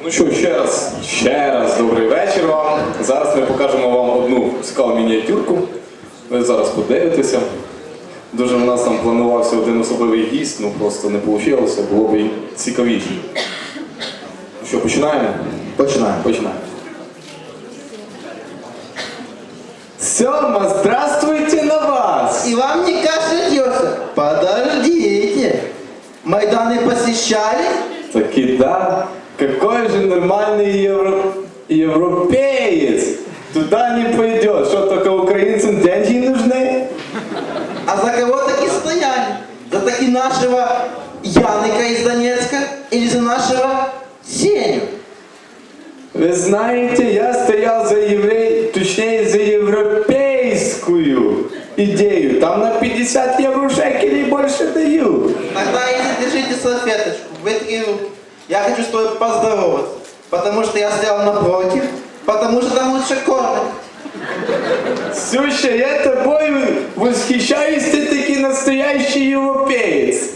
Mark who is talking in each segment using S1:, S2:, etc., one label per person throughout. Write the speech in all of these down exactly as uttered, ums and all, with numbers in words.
S1: Ну що, ще раз, ще раз добрий вечір вам. Зараз ми покажемо вам одну цікаву мініатюрку. Ви зараз подивитеся. Дуже в нас там планувався один особливий гість, ну просто не вийшло, було б цікавіше. Ну що, починаємо?
S2: Починаємо.
S1: Починаємо. Сёма, здравствуйте на вас!
S2: И вам не кажется? Подождите. Майданы посещали?
S1: Таки да. Какой же нормальный евро... европеец туда не пойдет. Что, только украинцам деньги нужны?
S2: А за кого таки стояли? За таки нашего Яника из Донецка или за нашего Сеню?
S1: Вы знаете, я стоял за еврей, точнее за европейскую идею. Там на пятьдесят евро шекелей больше дают.
S2: Тогда если держите салфеточку, вытри руки. Я хочу с тобой поздороваться, потому что я стоял напротив, потому что там лучше кормят.
S1: Слушай, я тобой восхищаюсь, ты таки настоящий европеец.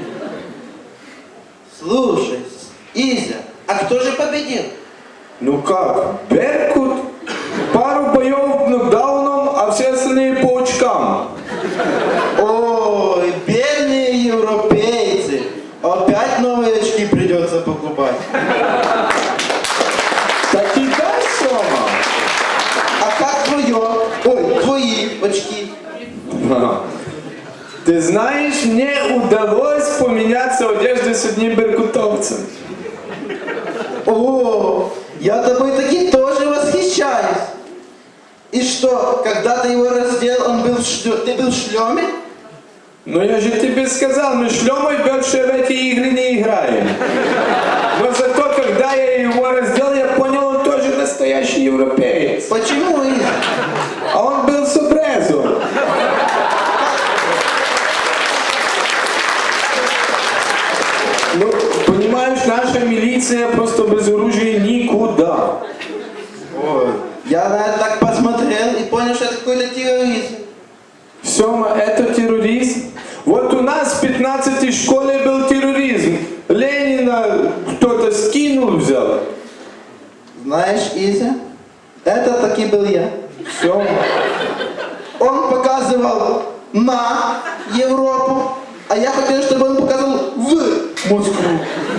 S2: Слушай, Изя, а кто же победил?
S1: Ну как, Беркут? Пару боев нокдауном, а все остальные по очкам.
S2: Ой, бедные европейцы. Опять новые очки придется покупать.
S1: Так и да, Сома?
S2: А как твое? Ой, твои очки.
S1: Ты знаешь, мне удалось поменяться одеждой с одним беркутовцем.
S2: О, я тобой таки тоже восхищаюсь. И что, когда ты его раздел, он был в шлё... ты был в шлеме?
S1: Ну я же тебе сказал, мы шлемой больше в эти игры не играем. Но зато, когда я его раздел, я понял, он тоже настоящий европеец.
S2: Почему, Изя?
S1: А он был с обрезом. Ну, понимаешь, наша милиция просто без оружия никуда.
S2: Ой, я на это так посмотрел и понял, что это какой-то терроризм.
S1: Сёма, это терроризм? Вот у нас в пятнадцатой школе был терроризм. Ленина кто-то скинул, взял.
S2: Знаешь, Изя, это таки был я.
S1: Сёма.
S2: Он показывал на Европу, а я хотел, чтобы он показывал в Москву.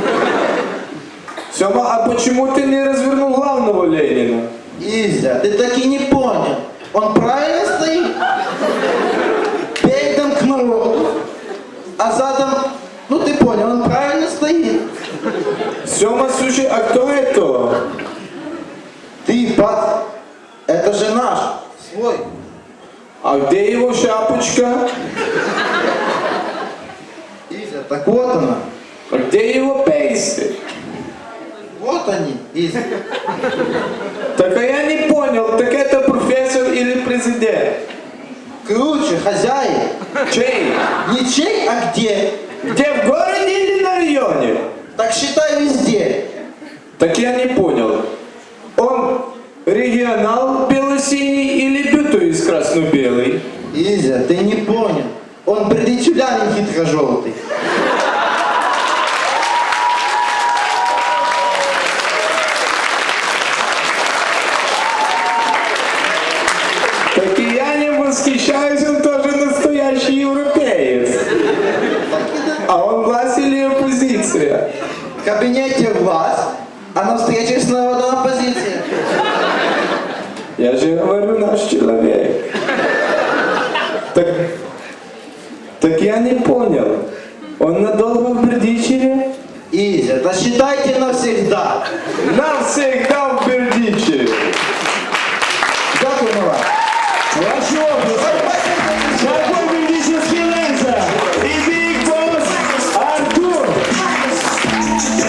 S1: Сёма, а почему ты не развернул главного Ленина?
S2: Изя, ты таки не понял. Он правильно стоит? Передом к народу, а задом, ну ты понял, он правильно стоит.
S1: Сёма, слушай, а кто это?
S2: Ты, пат, это же наш, свой.
S1: А где его шапочка?
S2: Изя, так вот она.
S1: А где его пейсы?
S2: Вот они, Изя.
S1: Так а я не понял, так это профессор или президент?
S2: Круче, хозяин.
S1: Чей?
S2: Не чей, а где?
S1: Где, в городе или на районе?
S2: Так считай везде.
S1: Так я не понял. Он регионал бело-синий или бютуис красно-белый?
S2: Изя, ты не понял. Он предичулянин хитро-желтый.
S1: Так и я не восхищаюсь, он тоже настоящий европеец. А он власть или оппозиция?
S2: В кабинете власть, а на встрече с народом оппозиция.
S1: Я же говорю, наш человек. Так, так я не понял. Он надолго в Бердичеве?
S2: Изя, да считайте навсегда.
S1: Навсегда в Бердичеве.